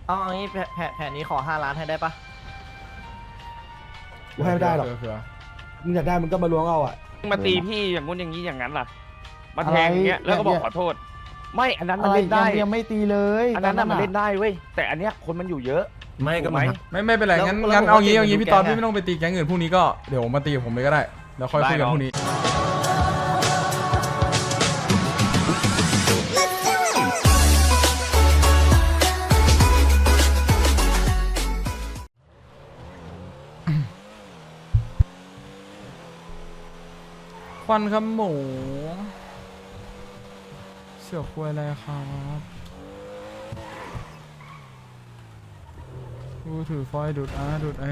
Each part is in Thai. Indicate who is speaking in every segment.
Speaker 1: เอาอย่างนี้แผนนี้ขอ5 ล้านให้ได้ปะ
Speaker 2: กูให้ไม่ได้หรอกมึงอยากได้มึงก็มาล้วงเอาอ่ะ
Speaker 3: มาตีพี่อย่างงู้นอย่างนี้อย่างนั้นล่ะมาแทงอย่างเงี้ยแล้วก็บอกขอโทษ ไม่อันนั้นมันเล่นได้
Speaker 4: ยังไม่ตีเลย
Speaker 3: อันนั้นน่ะมันเล่นได้เว้ยแต่อันเนี้ยคนมันอยู่เยอะ
Speaker 5: ไม่ก็
Speaker 3: ถูกไหม
Speaker 5: ไม่เป็นไรงั้นเอางี้พี่ตอนพี่ไม่ต้องไปตีแก๊งอื่นพรุ่งนี้ก็เดี๋ยวมาตีกับผมเลยก็ได้แล้วค่อยคุยกันพรุ่งนี้ควันครับหมูเสือกคุยอะไรครับกูถือฟอยล์ดูดดูดไอ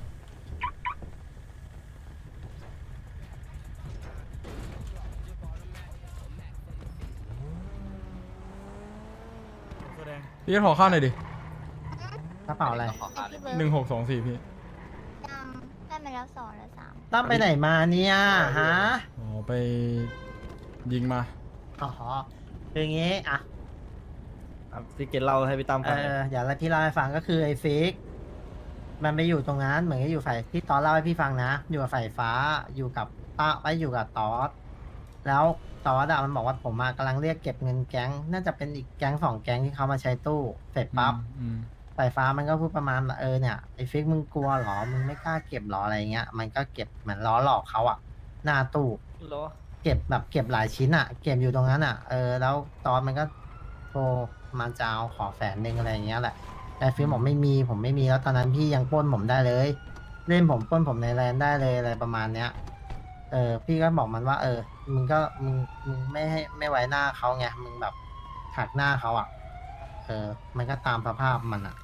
Speaker 5: พี่ขอข้าวหน่อยดิ
Speaker 4: กระเป๋าอะไร
Speaker 5: 1624พี่
Speaker 6: ได้มาแล้ว2หรือ3
Speaker 4: ตั้มไปไหนมาเนี่ยฮะ
Speaker 5: อ๋อไปยิงมา
Speaker 4: อ๋อคืออย่างงี้อ่ะ
Speaker 1: พี่เกณฑ์เล่าให้พี่ตั้มฟัง
Speaker 4: เดี๋ยวพี่เล่าให้ฟังก็คือไอ้ฟิกมันไปอยู่ตรงนั้นเหมือนกับอยู่ฝ่ายที่ตอนเล่าให้พี่ฟังนะอยู่กับฝ่ายฟ้าอยู่กับป้าไปอยู่กับตอสแล้วตอสอะมันบอกว่าผมกำลังเรียกเก็บเงินแก๊งน่าจะเป็นอีกแก๊ง2 แก๊งที่เขามาใช้ตู้เสร็จปั๊บ สายฟ้ามันก็พูดประมาณว่าเนี่ยไอ้ฟิกมึงกลัวเหรอมึงไม่กล้าเก็บหรออะไรเงี้ยมันก็เก็บเหมือนล้อหลอกเขาอะหน้าตู้เก็บแบบเก็บหลายชิ้นอะเก็บอยู่ตรงนั้นอะแล้วตอนมันก็โทรมาจะเอาขอ100,000อะไรเงี้ยแหละแต่ฟิกบอกไม่มีผมไม่มีแล้วตอนนั้นพี่ยังปล้นผมได้เลยเล่นผมปล้นผมในแลนด์ได้เลยอะไรประมาณเนี้ยพี่ก็บอกมันว่ามึงไม่ไว้หน้าเขาไงมึงแบบถักหน้าเขาอะมันก็ตามสภาพมันอะ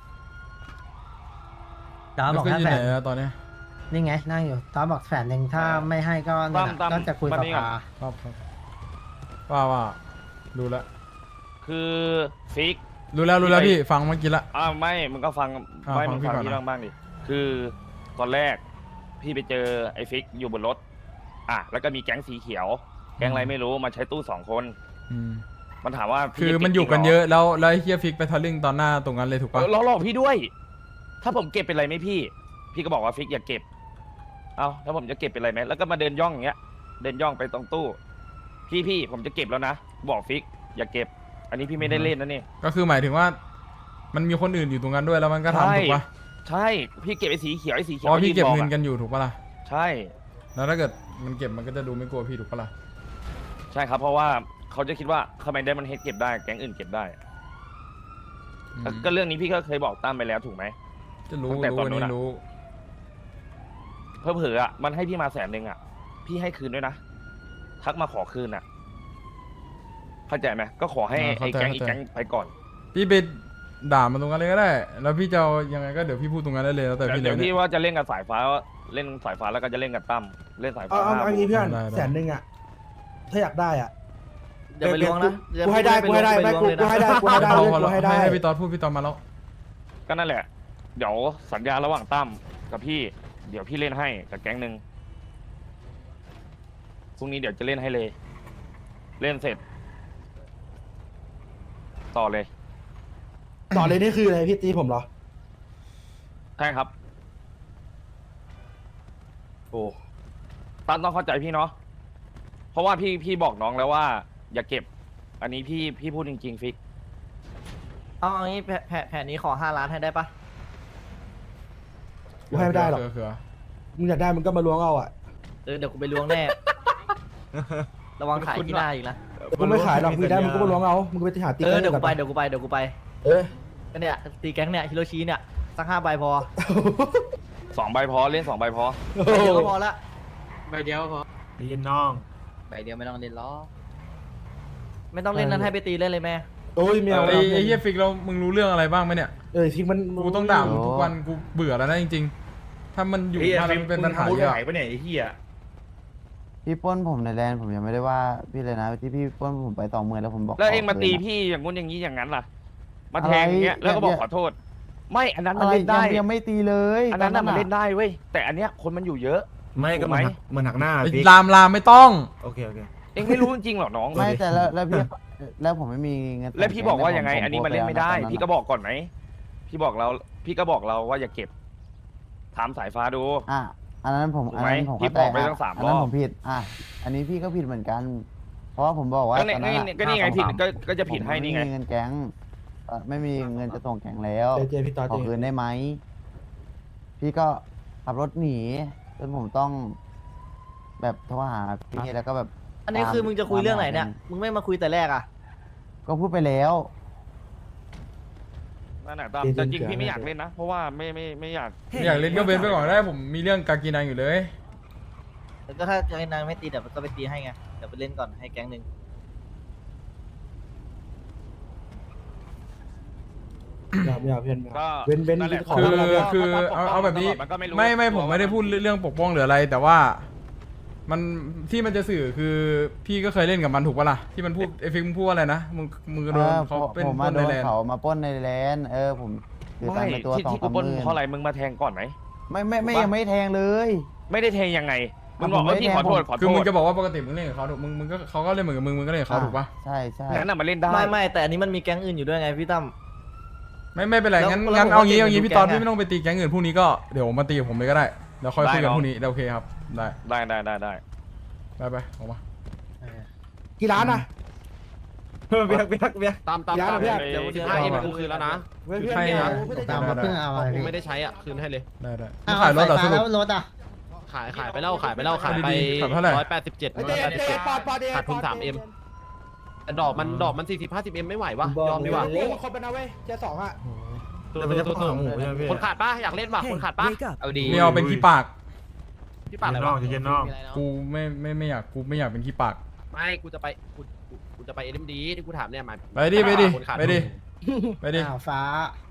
Speaker 4: ตาบอก
Speaker 5: แล้ว
Speaker 4: แค่
Speaker 5: อยู่
Speaker 4: แส
Speaker 5: ไหน
Speaker 4: น
Speaker 5: อะตอนเนี้ย
Speaker 4: นี่ไงนั่งอยู่ตาบอก100,000ถ้าไม่ให้ก็เนี่ย
Speaker 3: ตั้ม
Speaker 4: ก็จะคุย
Speaker 3: มา
Speaker 4: กับ
Speaker 3: นี่ก่อน
Speaker 4: ปา
Speaker 5: ครับว่าดูแล้ว
Speaker 3: คือฟิก
Speaker 5: รู้แล้วพี่ฟังเมื่อกี้ละ
Speaker 3: ไม่มึงก็ฟังไม่
Speaker 5: ฟั
Speaker 3: มึ
Speaker 5: ง
Speaker 3: ง
Speaker 5: พี่
Speaker 3: ฟัง
Speaker 5: ก่อน
Speaker 3: พี่
Speaker 5: นะ
Speaker 3: บ้างดิคือตอนแรกพี่ไปเจอไอ้ฟิกอยู่บนรถแล้วก็มีแก๊งสีเขียว แก๊งอะไรไม่รู้มาใช้ตู้2 คน
Speaker 5: อืม
Speaker 3: มันถามว่าพี่
Speaker 5: คือ
Speaker 3: จะเก็บ
Speaker 5: มันอยู่กัน
Speaker 3: จริงหร
Speaker 5: เยอะแล้วไอ้เฮียฟิกไปทะลึ่งตอนหน้าตรงนั้นเลยถูกปะ
Speaker 3: ล้อหลอกพี่ด้วย ถ้าผมเก็บเป็นไรไหมพี่ก็บอกว่าฟิกอย่าเก็บเอาแล้วผมจะเก็บเป็นไรไหมแล้วก็มาเดินย่องอย่างเงี้ยเดินย่องไปตรงตู้พี่ผมจะเก็บแล้วนะบอกฟิกอย่าเก็บ อันนี้พี่ไม่ได้เล่นนะนี่
Speaker 5: ก็คือหมายถึงว่า มันมีคนอื่นอยู่ตรงนั้นด้วยแล้วมันก็ทำถูกปะ
Speaker 3: ใช่พี่เก็บไอ้สีเขียวไอ้สีเขี
Speaker 5: เพ
Speaker 3: ยว
Speaker 5: ราะพี่เก็บ
Speaker 3: ยื
Speaker 5: เงิน
Speaker 3: อะ
Speaker 5: กันอยู่ถูกปะล่ะ
Speaker 3: ใช่
Speaker 5: แล้วถ้าเกิดมันเก็บมันก็จะดูไม่กลัวพี่ถูกปะล่ะ
Speaker 3: ใช่ครับเพราะว่าเขาจะคิดว่าทำไมได้มันเฮดเก็บได้แก๊งอื่นเก็บได้
Speaker 5: อืม
Speaker 3: ก็เรื่องนี้พี่ก็เคยบอกตั้มไปแล้วถูกไหม
Speaker 5: จะรู้
Speaker 3: ตั้งแต่ตอนนู้นอะ
Speaker 5: รู้
Speaker 3: เผลอๆมันให้พี่มา100,000พี่ให้คืนด้วยนะทักมาขอคืนเข้าใจไหมก็ขอให้ไอ้แก๊งอีกแก๊งไปก่อน
Speaker 5: พี่ไปด่ามันตรงนั้นเลยก็ได้ แล้วพี่จะเอายังไงก็เดี๋ยวพี่พูดตรงนั้นได้เลยแล้วแต่พี่เล
Speaker 3: เดี๋ย
Speaker 5: ยว เนี่
Speaker 3: พี่
Speaker 5: ย
Speaker 3: ว่าจะเล่นกับสายฟ้าเล่นสายฟ้าแล้วก็จะเล่นกับตั้มเล่นสายฟ้า
Speaker 2: เอางี้เพื่อน
Speaker 5: ได้
Speaker 2: 100,000อ่ะถ้าอยากได้อ่ะ
Speaker 1: เดี๋ยวไปล้วงนะ
Speaker 2: กูให้ได้ไม่กูให้ได้กูให้ได้
Speaker 5: พอแล้ว
Speaker 2: กูให้ได้
Speaker 5: ให้พี่ตอดพูดพี่ตอดมาแล้ว
Speaker 3: ก็นั่นแหละ เดี๋ยวสัญญาระหว่างตั้มกับพี่ เดี๋ยวพี่เล่นให้กับแก๊งหนึ่งพรุ่งนี้เดี๋ยวจะเล่นให้เลย เล่นเสร็จ ต่อเลย
Speaker 2: ต่อเลยนี่คืออะไรพี่ตีผมเหรอ
Speaker 3: ใช่ครับ
Speaker 2: โอ้
Speaker 3: ตั้มต้องเข้าใจพี่เนาะเพราะว่าพี่บอกน้องแล้วว่า อย่าเก็บ อันนี้พี่พูดจริงๆฟิก
Speaker 1: เอาอย่างนี้แผนนี้ขอ5 ล้านให้ได้ปะ
Speaker 2: กูให้ไม่ได้หรอก
Speaker 5: คือ
Speaker 2: มึงอยากได้มึงก็มาล้วงเอาอ่ะ
Speaker 1: เดี๋ยวกูไปล้วงแน่ ระวังขายที่หน้าอีกนะ
Speaker 2: กูไม่ขายหรอกมึงได้มึงก็มาล้วงเอามึงไปหาตี
Speaker 1: เดี๋ยวกูไปก็เนี่ยตีแก๊งเนี่ยฮิโรชิเนี่ยสัก5 ใบพอ
Speaker 3: 2 ใบพอเล่น2 ใบพอ
Speaker 1: ใบเดียวก็พอละ
Speaker 4: ใบเดียวพอ
Speaker 5: ได้ยินน้อง
Speaker 4: ใบเดียวไม่ต้องเล่นล้อ
Speaker 1: ไม่ต้องเล่นนั้นให้ไปตีเล่นเลยแม่
Speaker 2: โอ้ยเมียว
Speaker 5: ไอ้เฮียฟิกเรามึงรู้เรื่องอะไรบ้างไหมเนี่ย
Speaker 2: ทิ้งมัน
Speaker 5: กูต้องด่ามึงทุกวันกูเบื่อแล้วนะจริงๆ ถ้ามันอยู่มาแล้วมันเป็นปัญหาเยอะ
Speaker 4: พี่ปล้นผมในแลนด์ผมยังไม่ได้ว่าพี่เลยนะที่พี่ปล้นผมไป20,000แล้วผมบอก
Speaker 3: แล้วเองมาตีพี่อย่างงู้นอย่างนี้อย่างนั้นล่ะ มาแทงอย่างเงี้ยแล้วก็บอกขอโทษ ไม่อันนั้นมันเล่นได้
Speaker 4: ยังไม่ตีเลย
Speaker 3: อันนั้นน่ะมันเล่นได้เว้ยแต่อันเนี้ยคนมันอยู่เยอะ
Speaker 5: ไม่ก็
Speaker 3: ถูกไหม
Speaker 5: มันหักหน้าลามไม่ต้องโอเค
Speaker 3: เองไม่รู้จริงๆหรอน้อง
Speaker 4: ไม่แต่แล้วพี่แล้วผมไม่มีเงิน
Speaker 3: แล้วพี่บอกว่ายังไง อันนี้มันเล่นไม่ได้ พี่ก็บอกก่อนไหมพี่บอกเราพี่ก็บอกเราว่าอย่าเก็บถามสายฟ้าดู
Speaker 7: อันนั้นผม
Speaker 3: ถูก
Speaker 7: อัน
Speaker 3: ไหม
Speaker 7: นั้นผม
Speaker 3: พี่
Speaker 7: เข้าใจ
Speaker 3: บอกไป
Speaker 7: ครับ
Speaker 3: ตั้ง3
Speaker 7: อันนั้น
Speaker 3: รอบ
Speaker 7: ผมผิดอันนี้พี่ก็ผิดเหมือนกัน เพราะว่าผมบอกว่า
Speaker 3: ก็
Speaker 7: ตอนนั้น
Speaker 3: ก็นี่ไงผิดก็จะผิดให้
Speaker 7: ผม
Speaker 3: นี่ไง
Speaker 7: ไม่มีเงินแก๊งไม่มีเงินจะส่งแก๊งแล้ว
Speaker 2: เจพี่ตอ
Speaker 7: ขอคืนได้ไหมพี่ก็ขับรถหนีจนผมต้อง แบบโทรหาพี่แล้วก็แบบ
Speaker 1: อันนี้คือมึงจะคุยเรื่องไหนเนี่ย มึงไม่มาคุยแต่แรกอ่ะ
Speaker 7: ก็พูดไปแล้ว
Speaker 3: นั่นแหละแต่จริงพี่ไม่อยากเล่นนะเพราะว่าไม่อยาก
Speaker 5: อยากเล่นก็เว้นไปก่อนได้ผมมีเรื่องกากีนังอยู่เลย
Speaker 1: แล้วก็ถ้าไอ้นางไม่ตีเดี๋ยวก็ไปตีให้ไง เดี๋ยวไปเล่นก่อนให้แก๊งหนึ่ง
Speaker 2: ไม่เอาเพื่อน
Speaker 3: ก็
Speaker 2: เว้น
Speaker 3: นั่นแหละ
Speaker 2: ขอ
Speaker 5: คือ
Speaker 2: เวลาเพื่อน
Speaker 5: คือเอาแบบนี้
Speaker 3: มันก็รู้
Speaker 5: ไม่ผมไม่ได้พูดเรื่องปกป้องหรืออะไร แต่ว่ามันที่มันจะสื่อคือพี่ก็เคยเล่นกับมันถูกปะล่ะที่มันพูดไอ้ฟิกมึงพูดว่าอะไรนะมึงโดนเขาเป็น
Speaker 7: ผม
Speaker 5: ค
Speaker 7: มาน โด
Speaker 5: ใน
Speaker 7: น
Speaker 5: แลนด์
Speaker 7: เขามาปล้นในแลนด์ผมถือตั
Speaker 3: ไม่
Speaker 7: งค์ในตัว
Speaker 3: ที่
Speaker 7: 2-3
Speaker 3: ที่กูปล้น
Speaker 7: หมื่น
Speaker 3: เพราะอะไรมึงมาแทงก่อนไหม
Speaker 7: ไม่ยังไม่แทงเลย
Speaker 3: ไม่ได้แทงยังไงมึง
Speaker 7: ผม
Speaker 3: บอกว่า
Speaker 7: ไม่
Speaker 3: พี่
Speaker 7: แทง
Speaker 3: ขอโทษขอโท
Speaker 5: คือมึง
Speaker 3: ษ
Speaker 5: จะบอกว่าปกติมึงเล่นกับเขาถูกมึงก็เขาก็เล่นเหมือนกับมึงก็เล่นกับเขาถูกปะ
Speaker 7: ใช่ใช่
Speaker 3: งั้นน่ะมาเล่นได้
Speaker 1: ไม่แต่อันนี้มันมีแก๊งอื่นอยู่ด้วยไงพี่ตั้ม
Speaker 5: ไม่เป็นไรงั้น
Speaker 1: แล้ว
Speaker 5: เอา
Speaker 1: ผม
Speaker 5: งี้
Speaker 1: ว่า
Speaker 5: เอางี้
Speaker 1: เกม
Speaker 5: พี่ตอน
Speaker 1: ดูแก๊ง
Speaker 5: พี่ไม่ต้องไปตีแก๊งอื่นพรุ่งนี้ก็เดี๋ยวผมมาตีกับผมเลยก็ได้แล้วค่อยคุยกันพรุ่งนี้โอเคครับได้
Speaker 3: ได้
Speaker 5: ไปออกมา
Speaker 2: กี่ล้านอ่ะ
Speaker 8: เบียกตาม
Speaker 2: ย้ายมาเพื่อน
Speaker 3: เดี๋ยว
Speaker 8: 15 เอ็มกูคืนแล้วนะ
Speaker 2: เพื่อน
Speaker 5: ให้นะ
Speaker 4: ตามมาเพิ่งเอาอะไร
Speaker 8: กู
Speaker 4: พี่
Speaker 8: ไม่ได้ใช้อ่ะคืนให้เลย
Speaker 5: ได้
Speaker 4: อ้าว
Speaker 5: ขายรถเหรอ
Speaker 4: ไฟ
Speaker 5: ส
Speaker 4: ฟ้า
Speaker 5: รุ
Speaker 4: แล้
Speaker 5: ป
Speaker 4: วรถอ่ะ
Speaker 8: ขายไปแล้วขายไปขายไป
Speaker 5: ขายเท่าไหร่
Speaker 8: 187
Speaker 2: เจ๊ปอด
Speaker 8: ขาดทุน 3M แต่ดอกมัน40-50M ไม่ไหววะยอมดีกว่า
Speaker 2: เล่นคนเป็นเอาเว้ยเจ๊2อ่ะ
Speaker 8: คนขาดป่ะอยากเล่นป่ะคนขาดป่ะ
Speaker 1: เอาดี
Speaker 5: ไม่เอาเป็นขี้ปาก
Speaker 8: พี่ป่าอะไรวะ
Speaker 5: กูไม่อยากเป็นขี้ปาก
Speaker 8: ไม่กูจะไป SMD ที่กูถามเนี่ยมา
Speaker 5: ไปดิ
Speaker 8: คนขาด
Speaker 5: ไปดิ
Speaker 4: อ้าวฟ้า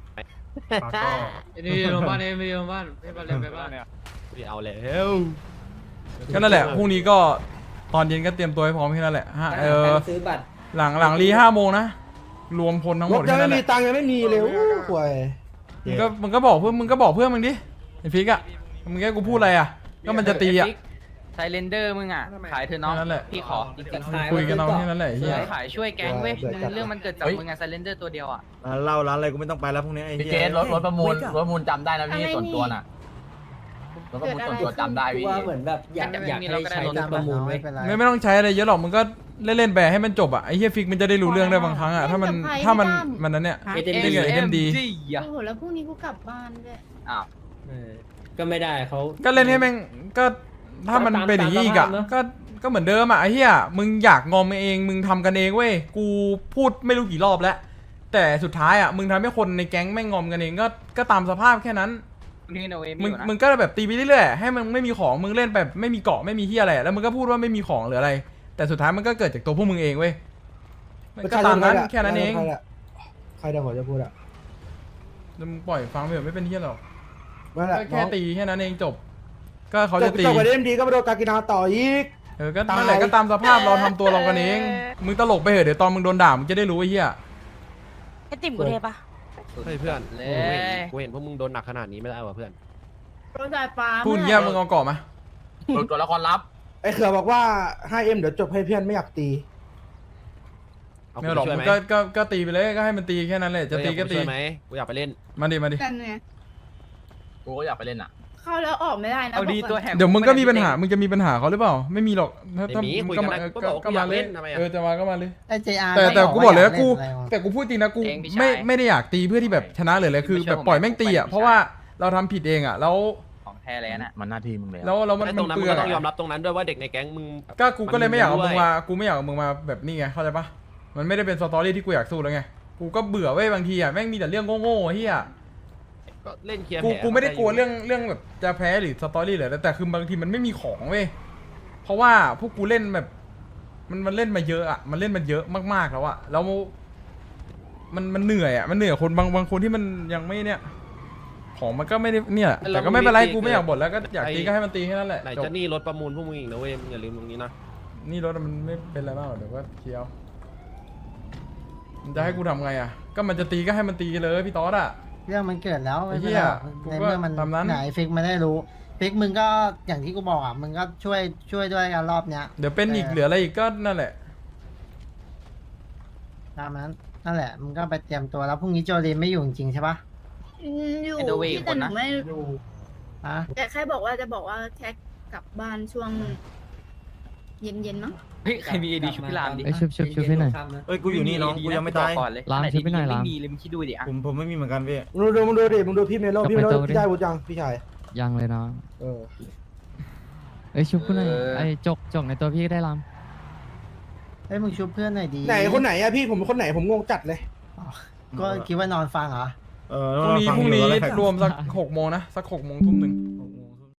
Speaker 9: นี่โรงพยาบาลนี่มีโรงพยาบาลไปบ้านเลยไปบ้าน
Speaker 8: กูเอาแล้ว
Speaker 5: ก็นั่นแหละพรุ่งนี้ก็ตอนเย็นก็เตรียมตัวให้พร้อมแค่นั้นแหละซื้อบัตรหลังรี5 โมงนะรวมพลทั้งห
Speaker 2: ร
Speaker 5: ม
Speaker 2: ถ
Speaker 5: ด
Speaker 2: ยัง
Speaker 5: แค่นั้
Speaker 2: ไม่
Speaker 5: นแห
Speaker 2: มี
Speaker 5: ละ
Speaker 2: ตังค์ยังไม่มีเลยห่วย
Speaker 5: มึงก็บอกเพื่อนมึงดิไอ้ฟิกอะมึงแค่กูพูดอะไรอะก็มันจะตีอะ
Speaker 9: ไซเลนเดอร์มึงอ่ะขายเธอะน้อง
Speaker 5: นั่นแหละ
Speaker 9: พี่ขอจริงๆ
Speaker 5: คุยกันเอาแค่นั้นแหละไอ้เฮีย
Speaker 9: ขายช่วยแก๊งเว้ยเรื่องมันเกิดจากมึงอะไซเลนเดอร์ตัวเดียวอ่ะ
Speaker 10: เล่าร้านอะไรกูไม่ต้องไปแล้วพวกนี้ไอ้
Speaker 9: พี่
Speaker 10: เหี้
Speaker 9: เจ
Speaker 10: ย
Speaker 9: สรถประมูลจำได้นะพี่ส่วนตัวน่ะรถประมูลส่วนตัวจำได้พี่ว่าเหมือนแบบอยากให้ใช้รถประมูล
Speaker 4: ไม่เป็นไร
Speaker 5: ไม่ต้องใช้อะไรเยอะหรอกมึงก็เล่นๆไปให้มันจบอะไอ้เฮียฟิกมันจะได้รู้เรื่องได้บางครั้งอะถ้ามันนั้นเนี่ยเล่นกับเอ็มดี
Speaker 6: โอ้โหแล้วพรุ่งนี้กูกลับบ้านด้วย
Speaker 9: อ้าว
Speaker 1: ก็ไม่ได้เขา
Speaker 5: ก็เล่นให้แม่งก็ถ้ามันเป็นอย่างนี้อีกอะก็เหมือนเดิมอะไอ้เหี้ยมึงอยากงอมเองมึงทำกันเองเว้ยกูพูดไม่รู้กี่รอบแล้วแต่สุดท้ายอะมึงทำให้คนในแก๊งแม่งงอมกันเองก็ตามสภาพแค่นั้น
Speaker 9: นี่โนเอ
Speaker 5: มึงก็แบบตีไปเรื่อยๆให้มันไม่มีของมึงเล่นแบบไม่มีเกาะไม่มีเหี้ยอะไรแล้วมึงก็พูดว่าไม่มีของหรืออะไร แต่สุดท้ายมันก็เกิดจากตัวพวกมึงเองเว้ยมันก็ตามนั้นแค่นั้นเอง
Speaker 2: ใครเดี๋ยวผมจะพูดอ่ะ
Speaker 5: แล้วมึงปล่อยฟังไปเถอะไม่เป็นเหี้ยหรอก
Speaker 2: นั่นแหละ
Speaker 5: ก็แค่ตีแค่นั้นเองจบ ก็เขาจะตี
Speaker 2: จบไปเล่นดีก็ไปโดนกากินาต่ออีก
Speaker 5: ก็นั่นแหละก็ตามสภาพเราทำตัวเรากันเอง มึงตลกไปเหอะเดี๋ยวตอนมึงโดนด่ามึงจะได้รู้ไอ้เหี้ย
Speaker 6: ไอติ่มกูเทปะ
Speaker 8: เฮ้ยเพื่อนกูเห็นพวกมึงโดนหนักขนาดนี้ไม่ได้ว่ะเพื่อน
Speaker 6: โดนสายฟ้า
Speaker 5: พูดเงี้ยมึงเอาเกาะมา
Speaker 9: ตัวละครลับ
Speaker 2: ไอ้เขือบอกว่า 5M เดี๋ยวจบให้เพื่อนไม่อยากตี
Speaker 8: เอา
Speaker 5: ไม่
Speaker 8: กู
Speaker 5: หรอก
Speaker 8: ช่วย
Speaker 5: มึ
Speaker 8: ไห
Speaker 5: ง
Speaker 8: ม
Speaker 5: ก็ตีไปเลยก็ให้มันตีแค่นั้นแหละจะตีก็ตี
Speaker 8: ช่วยไหมกูอยากไปเล่น
Speaker 5: มาดิ
Speaker 6: กันไง
Speaker 9: กูก็อยากไปเล่นอ่ะ
Speaker 6: เข้าแล้วออกไม่ได้นะ
Speaker 9: เอาดี
Speaker 6: บอกก่อน
Speaker 9: ตัวแหก
Speaker 5: เดี๋ยวมึงก็มีปัญหามึงจะมีปัญหาเขาหรือเปล่าไม่มีหรอกถ้า
Speaker 8: ไม่มีคุยกันนะก็บอกว่ากูอยากเล่นทำไมอะ
Speaker 5: จะมาก็มาเลย
Speaker 4: ไอ้ JR
Speaker 5: แต่กูบอกเลยว่ากู
Speaker 4: ไม่อยาเล่นอะไรวะ
Speaker 5: แต่กูพูดจริงนะกูไม่ได้อยากตีเพื่อที่แบบชนะเลยเลยคือแบบปล่อยแม่งตีอ่ะเพราะว่าเราทำผิดเองอ่ะแล้ว
Speaker 9: ของแท้เลยน่ะ
Speaker 10: มันหน้าที่มึงเลย
Speaker 5: แล้วมัน
Speaker 8: ไอ้ตรงนั้น
Speaker 5: เป
Speaker 8: มึ
Speaker 5: ลื
Speaker 8: ง
Speaker 5: อง
Speaker 8: ก็ต้องยอม
Speaker 5: อะ
Speaker 8: รับตรงนั้นด้วยว่าเด็กในแก๊งมึง
Speaker 5: ก็กูก็เลยไม่อยากเอา
Speaker 8: มัน
Speaker 5: มึ
Speaker 8: มี
Speaker 5: ง
Speaker 8: ด้วย
Speaker 5: มากูไม่อยากเอามึงมาแบบนี้ไงเข้าใจปะมันไม่ได้เป็นสตอรี่ที่กูอยากสู้แล้วไงกูก็เบื่อเว้ยบางทีอ่ะแม่งมีแต่เรื่องโง่ๆเฮีย
Speaker 8: ก็เล่นเคลียร์
Speaker 5: กู
Speaker 8: แผล
Speaker 5: กูไม่ได้กลัวเรื่องแบบจะแพ้หรือสตอรี่เลยแต่คือบางทีมันไม่มีของเว้ยเพราะว่าพวกกูเล่นแบบมันเล่นมาเยอะอ่ะมันเล่นมันเยอะมากๆแล้วอ่ะแล้วมันเหนื่อยอ่ะมันเหนื่อยคนบางคนที่มันยังไม่เนี่ยของมันก็ไม่ได้เนี่ยแต่ก็ไม่เป็นไรกูไม่อยากบ่นแล้วก็อยากตีก็ให้มันตีแค่นั้นแหละ
Speaker 8: ไหน
Speaker 5: จบ
Speaker 8: จะหนี่รถประมูลพวกมึงอีกนะเว้ยมึงอย่าลืมตรงนี้นะ
Speaker 5: นี่รถมันไม่เป็นไรมากหรอกเดี๋ยวก็เคลียร์มันจะให้กูทำไงอ่ะก็มันจะตีก็ให้มันตีเลยพี่ต๊อดอ่ะ
Speaker 4: เรื่องมันเกิดแล้ว
Speaker 5: ไอ้
Speaker 4: ไม่
Speaker 5: เหี้
Speaker 4: เป็น
Speaker 5: ย
Speaker 4: ไรในเมื่อมัน
Speaker 5: กูก็ตามนั้น
Speaker 4: ไหนฟิกมันได้รู้ฟิกมึงก็อย่างที่กูบอกอ่ะมึงก็ช่วยด้วยกันรอบเนี้ย
Speaker 5: เดี๋ยวเป็นอีกเหลืออะไรอีกก็นั่นแหละ
Speaker 4: ตามนั้นนั่นแหละมึงก็ไปเตรียมตัวแล้วพรุ่งนี้โจลีนไม่อยู่จริงๆใช่ปะ
Speaker 6: อยู่
Speaker 9: ไอ้เดอะเวย์
Speaker 6: ที่
Speaker 9: ค
Speaker 6: แต่
Speaker 9: น
Speaker 6: หนู
Speaker 9: นะ
Speaker 6: ไม่
Speaker 4: อ่ะ
Speaker 6: แต่แค่บอกว่าจะบอกว่าแค่กลับบ้านช่วง เย็นๆมั้ง
Speaker 9: เฮ้ยใครมีเอดีชุบพี่รามดิ
Speaker 11: เอ้ยชุบให้หน่อย
Speaker 10: เอ้ยกูอยู่นี่น้องกูยังไม่ตาย
Speaker 9: ก่อนเลย
Speaker 11: รามชุบไปหน่อยราม
Speaker 9: ไม่มีเลยมึงคิดดูดิอ่ะ
Speaker 10: ผมไม่มีเหมือนกันพี่
Speaker 2: มึงดูดิมึงดูพี่เมโลพี่เมโล
Speaker 11: กลับไปโต๊ะดิ
Speaker 2: พี่ได้บุญยังพี่ชาย
Speaker 11: ยังเลยน้อง
Speaker 2: เออ
Speaker 11: เอ้ยชุบกูหน่อยไอ้จกในตัวพี่ก็ได้ราม
Speaker 4: เฮ้ยมึงชุบเพื่อนหน่อยดี
Speaker 2: ไหนคนไหนอะพี่ผมเป็นคนไหนผมงงจัดเลย
Speaker 4: ก็คิดว่านอนฟังเหรอ
Speaker 10: เออ
Speaker 5: พรุ่งนี้
Speaker 10: ฟัอยู่แล้วใค
Speaker 5: รวมสัก6 โมงนะสัก6 โมงทุ่มหนึ่ง
Speaker 2: โอ้